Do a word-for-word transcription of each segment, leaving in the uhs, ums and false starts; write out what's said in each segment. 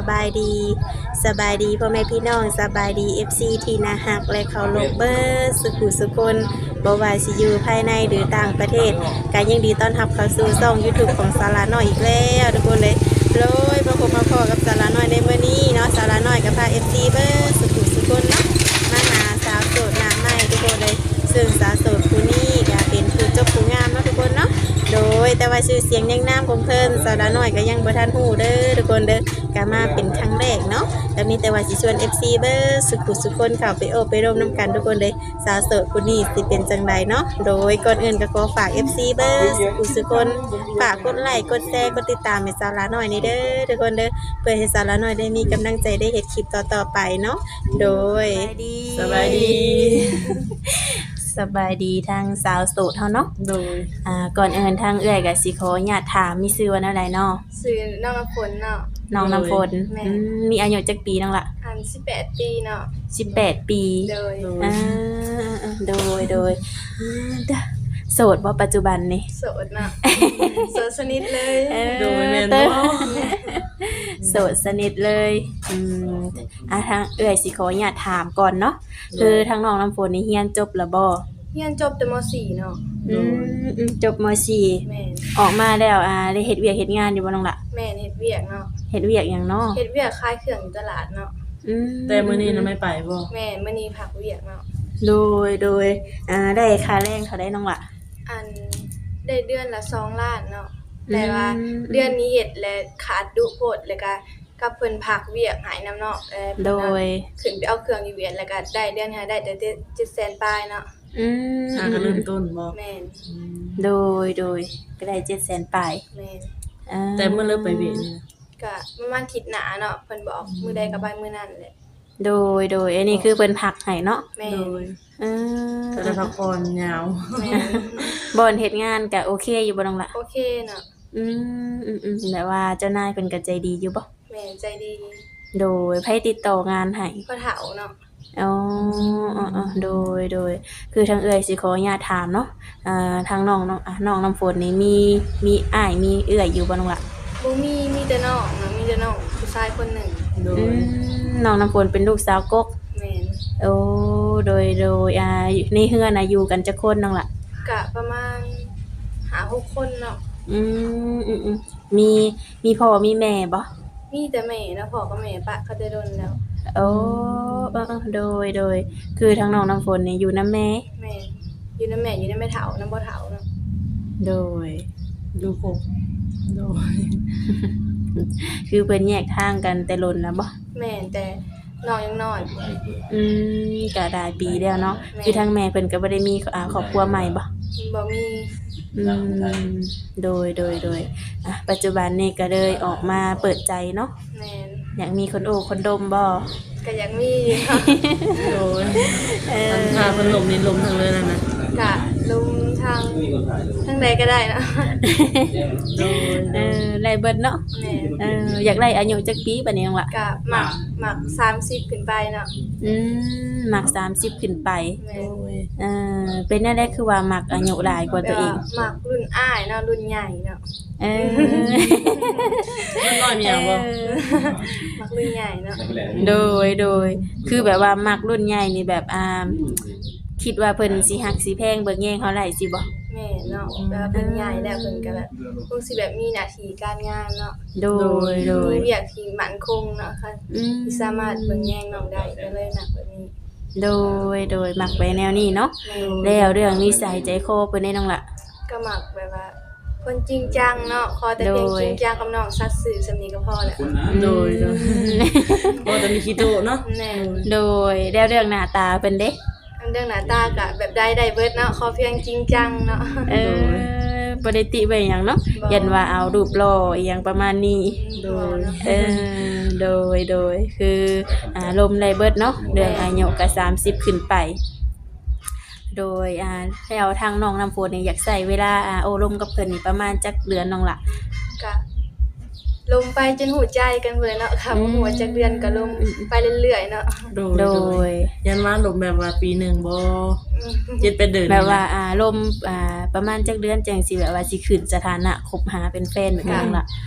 บายดีสบายดีพ่อแม่พี่น้องสบายดี เอฟ ซี ที่น่าฮักและเคารพเบิดสุขุสุคนบ่ว่าสิอยู่ภายในหรือต่างประเทศก็ยังดีต้อนรับเข้าสู่ช่อง YouTube ของสาระน้อยอีกแล้วทุกคนเลยโดยมาพบมาพอกับสาระน้อยในมื้อนี้เนาะสาระน้อยกับพา เอฟ ซี เบิดสุขุสุคนเนาะมาหาสาวโสดหน้าใหม่ทุกคนเลยซึ่งสาวโสดผู้นี้ก็เป็นผู้จบผู้งามเนาะทุกคนเนาะโดยแต่ว่าชื่อเสียงยังน้ำของเพิ่นสาวน้อยก็ยังบ่ทันฮู้เด้อทุกคนเด้อก็มาเป็นครั้งแรกเนาะแต่มีแต่ว่าสิชวน เอฟ ซี เบิดสุขุสุคนเข้าไปโอบไปร่วมนํกันทุกคนเลยสาวโสดผู้นี้สิเป็นจังไดเนาะโดยก่อนอื่นก็ขอฝาก เอฟ ซี เบิดสุขุสุคนฝากกดไลค์กดแชร์กดติดตามให้สาวน้อยนี่เด้อทุกคนเด้อเพื่อให้สาวน้อยได้มีกำลังใจได้เฮ็ดคลิปต่อๆไปเนาะโดยสบายดีสบายดีทางสาวโสดเฮาเนาะโดยอ่าก่อนอื่นทางเอื้อยก็สิขออนุญาตถามมีชื่อว่าอะไรเนาะชื่อน้องน้ำฝนเนาะน้องน้ำฝนอืมมีอายุจักปีน้องล่ะอันสิบแปดปีเนาะสิบแปดปีโดยอ่าโดยโดยโสดบ่ปัจจุบันนี่โสดเนาะโสดสนิทเลยโดยแม่นบ่โสดสนิทเลยอืมอ่ะทางเอื้อยสิขออนุญาตถามก่อนเนาะคือทางน้องน้ำฝนนี่เรียนจบแล้วบ่เรียนจบแต่ม .สี่ เนาะอืมจบม .สี่แม่นออกมาแล้วอ่าได้เฮ็ดเวียกเฮ็ดงานอยู่บ่น้องล่ะแม่นเฮ็ดเวียกเนาะเฮ็ดเวียกหยังเนาะเฮ็ดเวียกขายเครื่องอยู่ตลาดเนาะอืมแต่มื้อนี้น่ะไม่ไปบ่แม่นมื้อนี้พักเวียกเนาะโดยโดยอ่าได้ค่าแรงเท่าใดน้องล่ะอันได้เดือนละสองล้านเนาะแต่ว่าเดือนนี้เฮ็ดและขาดดุโพดแล้วก็กับเพิ่นพักเวียกหายนำเนาะเออโดยขึ้นไปเอาเครื่องอยู่เวียนแล้วก็ได้เดือนหาได้แต่เจ็ดแสนปลายเนาะอืมอ่าก็เริ่มต้นบ่แม่นโดยโดยก็ได้เจ็ดแสนปลายแม่นอ่าแต่เมื่อเริ่มไปเวียนนี่ก็ประมาณอาทิตย์หน้าเนาะเพิ่นบอกมื้อใดก็ไปมื้อนั้นแหละโดยโดยอันนี้คือเพิ่นพักให้เนาะแม่นโดยเออก็ได้พักผ่อนยาวแม่นบ่อนเฮ็ดงานก็โอเคอยู่บ่น้องล่ะโอเคเนาะอืมอืมๆแบบว่าเจ้านายเพิ่นก็ใจดีอยู่บ่แม่นใจดีโดยไผติดต่องานให้พ่อเฒ่าเนาะอ๋ออ๋อๆโดยโดยคือทางเอื้อยสิขออนุญาตถามเนาะอ่าทางน้องน้องอ่ะน้องน้ำฝนนี่มีมีอ้ายมีเอื้อยอยู่บ่น้องล่ะบ่มีมีแต่น้องเนาะมีแต่น้องผู้ชายคนหนึ่งโดอืยมน้องน้ำฝนเป็นลูกสาวกกแม่นโอ้โดยโดยอ่าในเฮือนน่ะอยู่กันจักคนน้องล่ะก็ประมาณห้าหกคนเนาะอืมอืมๆมีมีพ่อมีแม่บ่มีแต่แม่เนาะพ่อกับแม่ปะเขาแต่โดนแล้วโอ้เออๆโดยโดยคือทางน้องน้ำฝนนี่อยู่นำแม่แม่อยู่นำแม่อยู่นำแม่เฒ่านำบ่เฒ่าเนาะโดยดูครบโดยคือเพิ่นแยกทางกันแต่ล้นแล้วบ่แม่แต่น้องยังน้อยอืมก็หลายปีแล้วเนาะคือทางแม่เพิ่นก็บ่ได้มีอ่าครอบครัวใหม่บ่บ่มีอืมโดยโดยโดยอ่ะปัจจุบันนี่ก็เลยออกมาเปิดใจเนาะแม่นอยากมีคนโอ้คนดมบ่ก็อยากมีโดยเออถ้าเพิ่นลมนี่ลมทั้งเลยนั่นน่ะก็ลุมทางทางใดก็ได้เนาะโดยเออไล่เบิดเนาะแม่เอออยากได้อายุจักปีบัดนี้น้องล่ะก็มักมักสามสิบขึ้นไปเนาะอืมมักสามสิบขึ้นไปแม่เออเป็นแนวใดคือว่ามักอายุหลายกว่าตัวเองมักรุ่นอ้ายเนาะรุ่นใหญ่เนาะเออมันน้อยมีหยังบ่มักรุ่นใหญ่เนาะโดยโดยคือแบบว่ามักรุ่นใหญ่นี่แบบอ่าคิดว่าเพิ่นสิฮักสิแพงเบิ่งแย่งเฮาหลายสิบ่แม่เนาะแบบเพิ่นใหญ่แล้วเพิ่นก็แบบคงสิแบบมีหน้าที่การงานเนาะโดยโดยมีเวียกที่มั่นคงเนาะค่ะที่สามารถเบิ่งแย่งน้องได้ก็เลยมักแบบนี้โดยโดยมักไปแนวนี้เนาะแล้วเรื่องนิสัยใจคอเพิ่นได้น้องล่ะก็มักแบบว่าคนจริงจังเนาะขอแต่เพียงจริงจังกับน้องสัตย์ซื่อสำนี้ก็พอแล้วโดยโดยบ่ต้องมีขี้โตเนาะแน่โดยแล้วเรื่องหน้าตาเพิ่นเด้เรื่องหน้าตาก็แบบได้ได้เบิดเนาะขอเพียงจริงจังเนาะเออบ่ได้ติไว้หยังเนาะยันว่าเอารูปหล่ออีหยังประมาณนี้โดยเออโดยโดยคืออ่าลมได้เบิดเนาะเรื่องอายุก็สามสิบขึ้นไปโดยอ่าแล้วทางน้องน้ำฝนนี่อยากใช้เวลาอ่าโอ้ลมกับเพิ่นนี่ประมาณจักเดือนน้องล่ะก็ลมไปจนหูใจกันเบิดเนาะค่ะบ่ฮู้ว่าจักเดือนก็ลมไปเรื่อยๆเนาะโดยยันว่าลมแบบว่าปีหนึ่งบ่เจ็ด แปดเดือนแบบว่าอ่าลมอ่าประมาณจักเดือนจังสิแบบว่าสิขึ้นสถานะคบหาเป็นแฟนเหมือนกันล่ะ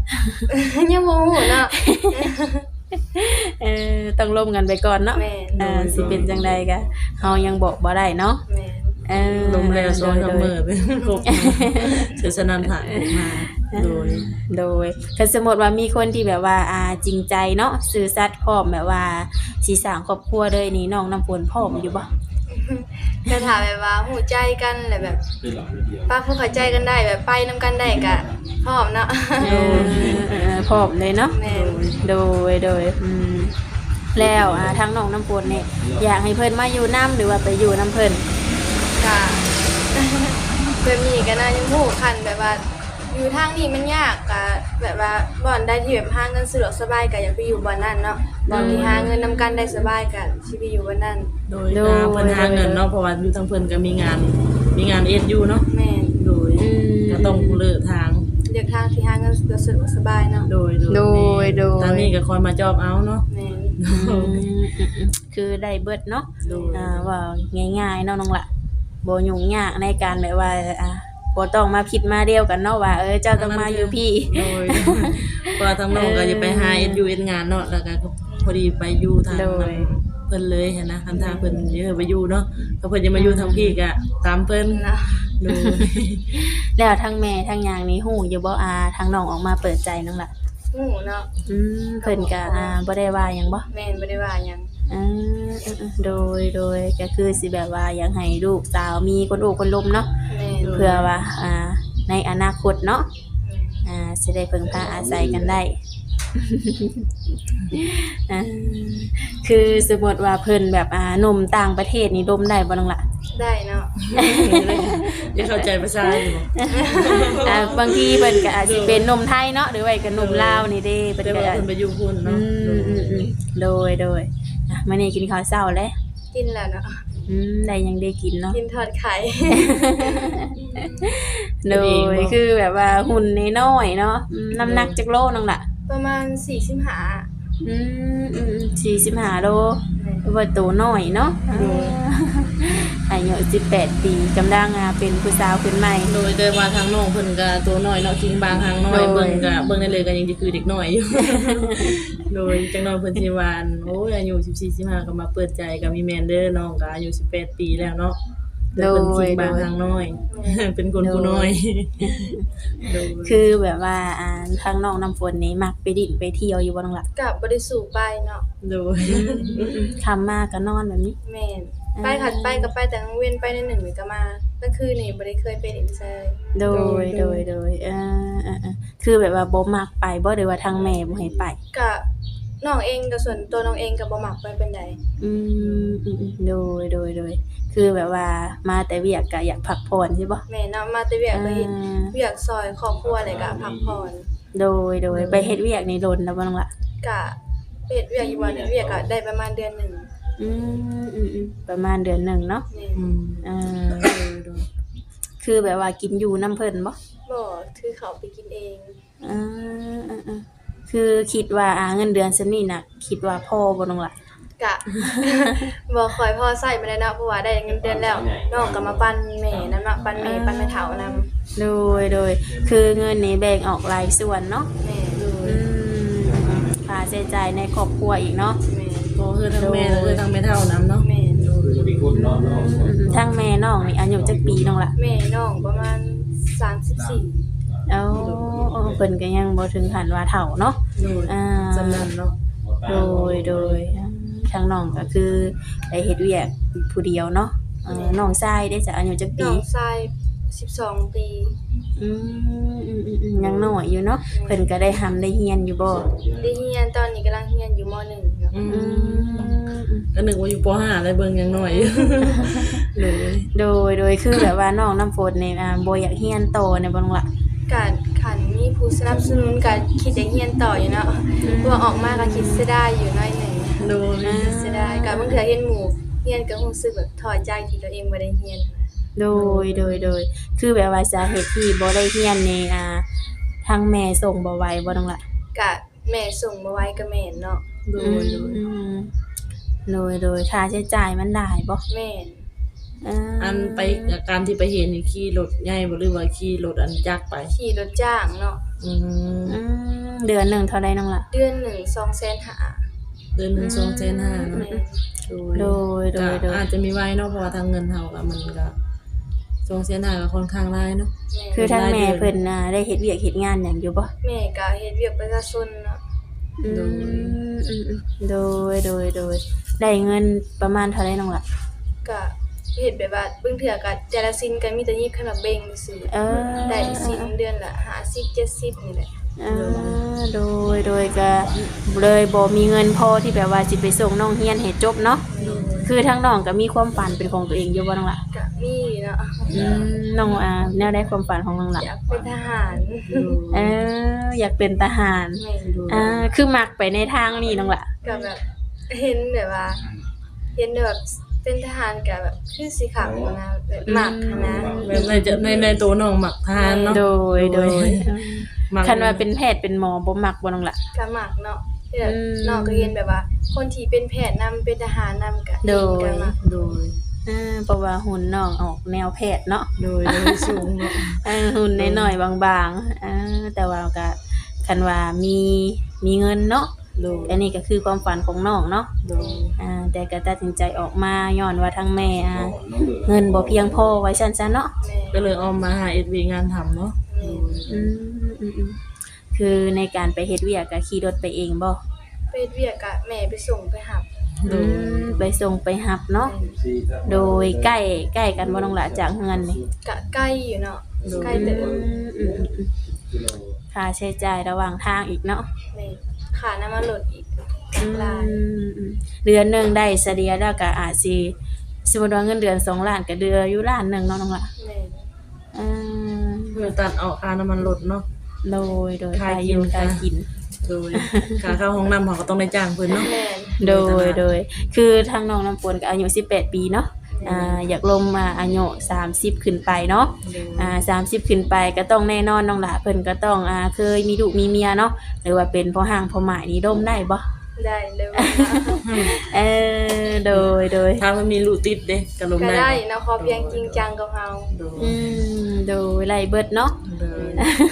ยังบ่ฮู้เนาะเออต้องร่วมกันไปก่อนเนาะแม่นเออสิเป็นจังใดก็เฮายังบอกบ่ได้เนาะแม่นเออลมแล้วสองสามมื้อเป็นครบเสียสนันผ่านมาโดยโดยคันสมมุติว่ามีคนที่แบบว่าอ่าจริงใจเนาะซื่อสัตย์พร้อมแบบว่าสิสร้างครอบครัวเลยนี่น้องน้ำฝนพร้อมอยู่บ่ก็ถามแบบว่าฮู้ใจกันแหละแบบป้าเพิ่นเข้าใจกันได้แบบไปนํกันได้ก็พร้อมเนาะเออเออพร้อมเลยเนาะแม่นโดยโดยอืมแล้วอ่าทางน้องน้ำฝนนี่อยากให้เพิ่นมาอยู่นํหรือว่าไปอยู่นํเพิ่นก็ แบบนี้ก็น่ายังฮู้คันแบบว่า อยู่ทางนี้มันยากก็แบบว่าบ่อนใดที่แบบหาเงินสะดวกสบายก็อยากไปอยู่บ่อนนั้นเนาะบ่อนที่หาเงินนำกันได้สบายก็สิไปอยู่บ่อนนั้นโดยทางเพิ่นหาเงินเนาะเพราะว่าอยู่ทางเพิ่นก็มีงานมีงานเอ็ดอยู่เนาะแม่นโดยก็ต้องเลือกทางเลือกทางที่หาเงินสะดวกสบายเนาะโดยโดยโดยทางนี้ก็คอยมาจอบเอาเนาะแม่นอืมอืมอืมคือได้เบิดเนาะโดยอ่าว่าง่ายๆเนาะน้องละบ่ยุ่งยากในการแบบว่าอ่าบ่ต้องมาผิดมาเดียวกันเนาะว่าเออเจ้าต้องมาอยู่พี่โดยเพราะว่าทางน้องก็จะไปหาเอ็ดยูเอ็ดงานเนาะแล้วก็พอดีไปอยู่ทางโดยเพิ่นเลยหั้นนะทางทางเพิ่นเยอะไปอยู่เนาะถ้าเพิ่นจะมาอยู่ทางพี่ก็ตามเพิ่นเนาะโดยแล้วทั้งแม่ทั้งยางนี่ฮู้อยู่บ่อาทางน้องออกมาเปิดใจน้องละฮู้เนาะอืมเพิ่นก็อ่าบ่ได้ว่าหยังบ่แม่นบ่ได้ว่าหยังอืมอืมๆโดยโดยก็คือสิแบบว่าอยากให้ลูกสาวมีคนโอบคนล้มเนาะแม่นเพื่อว่าอ่าในอนาคตเนาะอ่าสิได้พึ่งพาอาศัยกันได้ อ่าคือสมมติว่าเพิ่นแบบอ่าหนุ่มต่างประเทศนี่ดมได้บ่น้องล่ะได้เนาะจะเข้าใจภาษาอยู่บ่อ่าบางทีเพิ่นก็อาจสิเป็นหนุ่มไทยเนาะหรือว่าก็หนุ่มลาวนี่เด้เพิ่นแต่ก็ว่าเพิ่นไปอยู่พุ่นอืเนาะมอืมอืมโดยโดยอ่ะมื้อนี้กินข้าวเช้าแล้วกินแล้วเนาะอืมได้หยังได้กินเนาะกินทอดไข่โดยคือแบบว่าหุ่นน้อยๆเนาะอืมน้ำหนักจักโลน้องล่ะประมาณสี่สิบห้าอืมอืมสี่สิบห้าโลว่าตัวน้อยเนาะอายุสิบแปดปีกำลังอ่าเป็นผู้สาวขึ้นใหม่โดยแต่ว่าทางน้องเพิ่นก็ตัวน้อยเนาะกินบางทางน้อยโดยเบิ่งก็เบิ่งได้เลยก็ยังสิคือเด็กน้อยอยู่ โดยจังน้อยเพิ่นสิว่าอันโอ้ยอายุสิบสี่ สิบห้าก็มาเปิดใจกับมีแม่นเด้อน้องก็อายุสิบแปดปีแล้วเนาะแต่เพิ่นกินบางทางน้อย เป็นคนผู้น้อยโดยคือแบบว่าอ่าทางน้องน้ำฝนนี่มักไปดิ่นไปเที่ยวอยู่บ่น้องล่ะกับบ่ได้สู่ไปเนาะโดยคำมากก็นอนแบบนี้แม่นไปขัดไปก็ไปแต่กลางเว้นไปในหนึ่งนี่ก็มากลางคืนนี่บ่ได้เคยไปเล่นเซยโดยโดยโดยเออเออเออคือแบบว่าบ่มักไปบ่หรือว่าทางแม่บ่ให้ไปก็น้องเองก็ส่วนตัวน้องเองก็บ่มักไปเป็นใดอืมอืมอืมโดยโดยโดยคือแบบว่ามาแต่เวียกก็อยากพักผ่อนใช่บ่แม่เนาะมาแต่เวียกก็เฮ็ดอ่าเวียกซอยครอบครัวแล้วก็พักผ่อนโดยโดยไปเฮ็ดเวียกนี่โดนแล้วบ่น้องล่ะก็ไปเฮ็ดเวียกอยู่บ่เฮ็ดเวียกก็ได้ประมาณเดือนหนึงอืมอืมอืมประมาณเดือนหนึ่งเนาะแม่อืมอ่าคือแบบว่ากินอยู่น้ำเพิ่นบ่บ่ถือเขาไปกินเองอ่าอ่าอ่าคือคิดว่าอ่าเงินเดือนซั่นนี่น่ะ คิดว่าพอบ่น้องล่ะกะ บ่ค่อยพอใช้ปานใดเนาะเพราะว่าได้เงินเดือนแล้วน้องก็มาปั่นแม่นำเนาะปั่นแม่ปั่นแม่เฒ่านำโดยโดยคือเงินนี้แบ่งออกหลายส่วนเนาะแม่อืมค่าใช้จ่ายในครอบครัวอีกเนาะแม่โตคือทั้งแม่แล้วคือทั้งแม่เฒ่านํเนาะแม่อืมทั้งแม่น้องนี่อายุจักปีน้องล่ะแม่น้องประมาณสามสิบสี่เอ้าเพิ่นก็ยังบ่ถึงขั้นว่าเฒ่าเนาะโดยอ่าจำนั้นเนาะโดยโดยทางน้องก็คือได้เฮ็ดเวียกผู้เดียวเนาะเอ่อน้องชายได้จากอายุจักน้ปีองชายสิบสองปีอืมอืมอืมอืมยังน้อยอยู่เนาะเพิ่นก็ได้ทำได้เรียนอยู่บ่ได้เรียนตอนนี้กำลังเรียนอยู่มหนึ่งเนาะอือืมมก็นึกว่าอยู่ป .ห้า แล้วเบิ่งยังน้อยอยู่โดยโดยโดยคือแบบว่าน้องน้ำฝนนี่อ่าบ่อยากเรียนโตในบ่น้องล่ะการขันมีผู้สนับสนุนก็คิดจะเรียนต่ออยู่เนาะเพราะว่าออกมาก็คิดเสียดายอยู่หน้อยหนึ่งโดยเสียดายก็บางเทื่อเห็นหมู่เรียนก็รู้สึกแบบถอดใจที่ตัวเองบ่ได้เรียนโดยโดยโดยคือแบบว่าสาเหตุที่บ่ได้เรียนนี่อ่าทางแม่ส่งบ่ไหวบ่น้องล่ะก็แม่ส่งมาไว้ก็แม่นเนาะโดยโดยอืมโดยโดยค่าใช้จ่ายมันได้บ่แม่นออ่าอันไปการที่ไปเห็นนี่ขี่รถใหญ่บ่หรือว่าขี่รถอันจักรไปขี่รถจ้างเนาะอืมอืมเดือนหนึ่งเท่าใดน้องล่ะเดือนหนึ่งสองแสนห้าเดือนหนึ่งสองแสนห้าเนาะแม่นโดยโดยโดยก็อาจจะมีไว้เนาะเพราะว่าทางเงินเฮาก็มันก็สองแสนห้าก็ค่อนข้างหลายเนาะแม่นคือทั้งแม่เพิ่นน่ะได้เฮ็ดเวียกเฮ็ดงานหยังอยู่บ่แม่ก็เฮ็ดเวียกประชาชนเนาะอืมอืมอืมโดยโดยโดยได้เงินประมาณเท่าใดน้องล่ะก็เฮ็ดแบบว่าเบิ่งเทื่อก็แต่ละสิ้นก็มีแต่ยิบขนมเบงซื่อเออได้สิ้นเดือนละห้าสิบ เจ็ดสิบนี่แหละอ่าโดยโดยก็เลยบ่มีเงินพอที่แบบว่าสิไปส่งน้องเรียนให้จบเนาะคือทั้งน้องก็มีความฝันเป็นของตัวเองอยู่บ่น้องล่ะก็มีเนาะอืมน้องอ่าแนวใดความฝันของน้องล่ะอยากเป็นทหารเอออยากเป็นทหารแม่นอ่าคือมักไปในทางนี้น้องล่ะก็แบบเห็นแบบว่า เห็นแบบเป็นทหารก็แบบคือสิขังนะแบบหมักหั้นนะแบบในจะในในตัวน้องมักทานเนาะโดยโดยมักคันว่าเป็นแพทย์เป็นหมอบ่มักบ่น้องล่ะก็หมักเนาะที่แบบอืมน้องก็เห็นแบบว่า คนที่เป็นแพทย์นำเป็นทหารนำก็โดยก็หมักโดยอ่าเพราะว่าหุ่นน้องออกแนวแพทย์เนาะโดยโดยสูงเนาะเออหุ่นน้อยๆบางๆอ่าแต่ว่าก็คันว่ามีมีเงินเนาะโดยอันนี้ก็คือความฝันของน้องเนาะโดยอ่าแต่ก็ตัดสินใจออกมาย้อนว่าทั้งแม่อ่าเงินบ่เพียงพอไว้ซั่นซะเนาะแม่ก็เลยเอามาหา เอส วี งานทำเนาะแม่อืมอืมอืมคือในการไปเฮ็ดเวียกก็ขี่รถไปเองบ่ไปเฮ็ดเวียกก็แม่ไปส่งไปหับโดอืยมไปส่งไปหับเนาะโดยใกล้ใกล้กันบ่น้องหละจากเฮือนนี่ก็ใกล้อยู่เนาะใกล้อืเติมบอืมอืมอืมค่าใช้จ่ายระหว่างทางอีกเนาะแม่ค่าน้ำมันรถอีกอืมหลายอืมเดือนหนึงได้เฉลี่ยแล้วก็อาจสิสมมุติว่าเงินเดือนสองล้านก็เดือนอยู่ล้านหนึงเนาะน้องหละแม่อืมเพื่อตัดเอาค่าน้ำมันรถเนาะโดยโดยค่าค่ากิกินนค่ากินโดยค่าเข้าห้องน้ำเขาก็ต้องได้จ้างเพิ่นเนาะแม่โดยโดยคือทางน้องน้ำฝนก็อายุสิบแปดปีเนาะอ่าอยากลงมาอายุสามสิบขึ้นไปเนาะโดยอ่าสามสิบขึ้นไปก็ต้องแน่นอนน้องหละเพิ่นก็ต้องอ่าเคยมีลูกมีเมียเนาะหรือว่าเป็นพ่อห้างพ่อหมายนี่ร่มได้บ่ได้เลยว่าเออโดยโดยถ้ามันมีลูกติดเด้ก็ลงก็ได้ได้เนาะขอเพียงจริงจังกับเฮาโดยอืมโดยไล่เบิดเนาะโดย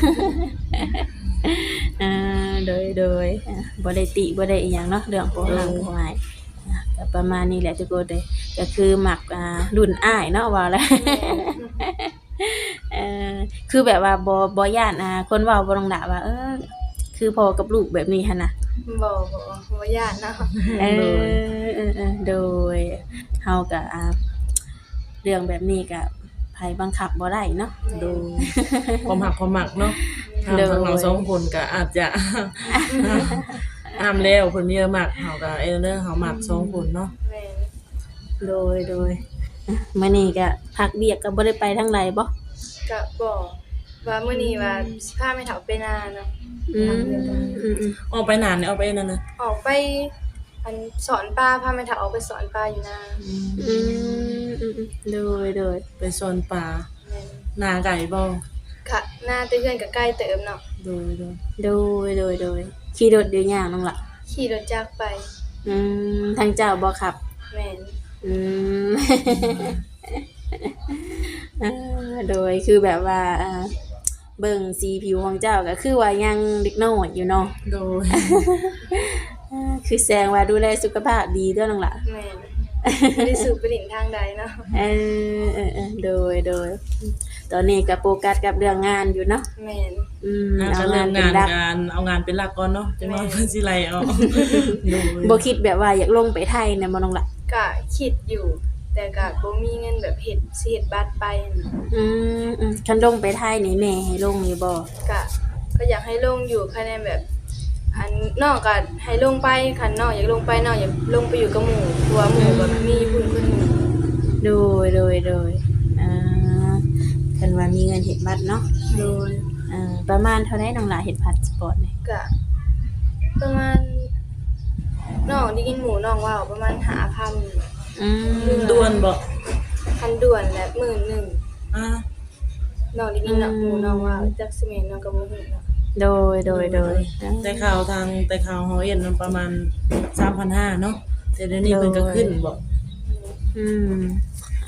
อ่าโดยโดยอ่าบ่ได้ติบ่ได้อีหยังเนาะเรื่องพ่อห้างพ่อหมายอ่ะก็ประมาณนี้แหละทุกคนเลยก็คือมักอ่ารุ่นอ้ายเนาะว่าแล้ว เออคือแบบว่าบ่บ่ย่านอ่าคนเว้าบ่ต้องด่าว่าเออคือพ่อกับลูกแบบนี้หั่นน่ะบ่บ่บ่ญาติเนาะเออเออเออโดยเฮาก็อ่าเรื่องแบบนี้ก็ไผบังคับบ่ได้เนาะโดยความหักความหมักเนาะทางโดยทางเราสองคนก็อาจจะ ห้ามแล้วเพิ่นเยอะมากเฮาก็เออเด้อเฮามักสองคนเนาะแม่โดยโดยอ่ะมื้อนี้ก็พักเบียกก็บ่ได้ไปทางใดบ่ก็บอกว่ามื้อนี้ว่าสิพาแม่เฒ่าไปนาเนาะอืมอืมอืมออกไปนานเนี่ยออกไปนั่นน่ะออกไปอันสอนปลาพาแม่เฒ่าออกไปสอนปลาอยู่นาอืมอืมอืมโดยโดยไปสวนป่าแม่นนาไก่บ่ค่ะนาแต่เพื่อนก็ใกล้เติมเนาะโดยโดยโดยโดยโดยขี่รถเดียวย่างน้องล่ะขี่รถจักรไปอืมทางเจ้าบ่ขับแม่นอืม อ่าโดยคือแบบว่าอ่าเบิ่งสีผิวของเจ้าก็คือว่ายังเด็กน้อยอยู่เนาะโดยอ่าคือแสดงว่าดูแลสุขภาพดีเด้อน้องล่ะแม่นบ่ได้สูบไปหลินทางใดเนาะเออเออเออโดยโดยตอนนี้ก็โฟกัสกับเรื่องงานอยู่เนาะแม่นอืมน่าเอาจะเริ่งานมเป็นงานหลักงานเอางานเป็นหลักก่อนเนาะจังว่าเพิ่นสิไล่เอาโดยบ่คิดแบบว่าอยากลงไปไทยเนี่ยบ่น้องล่ะก็คิดอยู่ แต่ก็บ่มีเงินแบบเฮ็ดสิเฮ็ดบัตรไปน่ะอืมอืมคันลงไปไทยนี่แม่ให้ลงอยู่บ่ก็ก็อยากให้ลงอยู่คะแนนแบบ อันน้องก็ให้ลงไปคันน้องอยากลงไปน้องอยากลงไปอยู่กับหมู่เพราะว่าหมู่ก็มีผู้คนหมู่โดยโดยโดยอ่าคันว่ามีเงินเฮ็ดบัตรเนาะโดยอ่าประมาณเท่าใดน้องล่ะเฮ็ดพาสปอร์ตนี่ก็ประมาณน้องได้ยินหมู่น้องว่าประมาณห้าพันอืมด่วนบ่พันด่วนและหมื่นหนึ่งอ่าน้องได้ยินน้องหมู่น้องว่าจักสิแม่นน้องก็บ่ฮู้เนาะโดยโดยโดยแต่ข่าวทางแต่ข่าวเฮาเห็นมันประมาณ สามพันห้าร้อย เนาะแต่เดี๋ยวนี้เพิ่นก็ขึ้นบ่อืม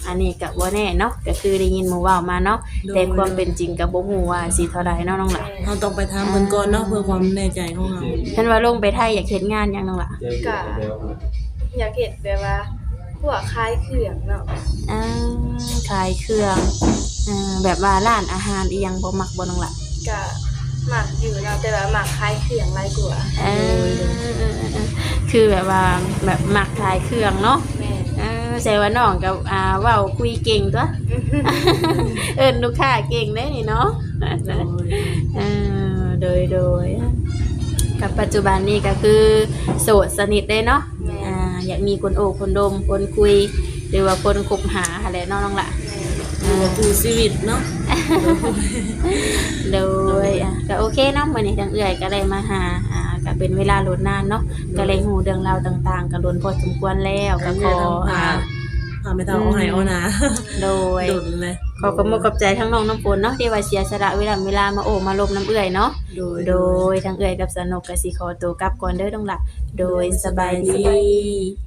อันนี้ก็บ่แน่เนาะก็คือได้ยินหมู่เว้ามาเนาะแต่ความเป็นจริงก็บ่ฮู้ว่าสิเท่าใดเนาะน้องหล่ะเราต้องไปถามเพิ่นก่อนเนาะเพื่อความแน่ใจของเราฉันว่าลงไปไทยอยากเฮ็ดงานหยังน้องหล่ะก็อยากเห็นแบบว่าพวกคล้ายเครื่องเนาะอ่าขายเครื่องอ่าแบบว่าร้านอาหารอีหยังบ่มักบ่น้องหล่ะก็หมักอยู่เนาะแต่ว่าหมักคล้ายเครื่องหลายกว่าเออคือแบบว่าแบบมักขายเครื่องเนาะแม่เออแสดงว่าน้องก็อ่าเว้าคุยเก่งตัว เอิ้นลูกค้าเก่งเด้นี่เนาะโดยเออโดยโดยกับปัจจุบันนี้ก็คือโสดสนิทเลยเนาะอ่าอยากมีคนโอบคนดมคนคุย หรือว่าคนคบหาอะไรเนาะน้องละอยู่กับคู่ชีวิตเนาะโดยอ่ะก็โอเคเนาะมื้อนี้ทางเอื้อยก็ได้มาหาอ่าก็เป็นเวลาโลดนานเนาะก็เลยฮู้เรื่องราวต่างๆก็ล้นพอสมควรแล้วก็ขออ่าพาไปทางเอาไหเอานะโดยดุนเลยขอขอบคุณขอบใจทั้งน้องน้ำฝนเนาะที่ว่าเสียสละเวลาเวลามาโอบมาลมน้ำเอื้อยเนาะโดยโดยทางเอื้อยกับสนุกก็สิขอตัวกลับก่อนเด้อน้องละโดยสบายดี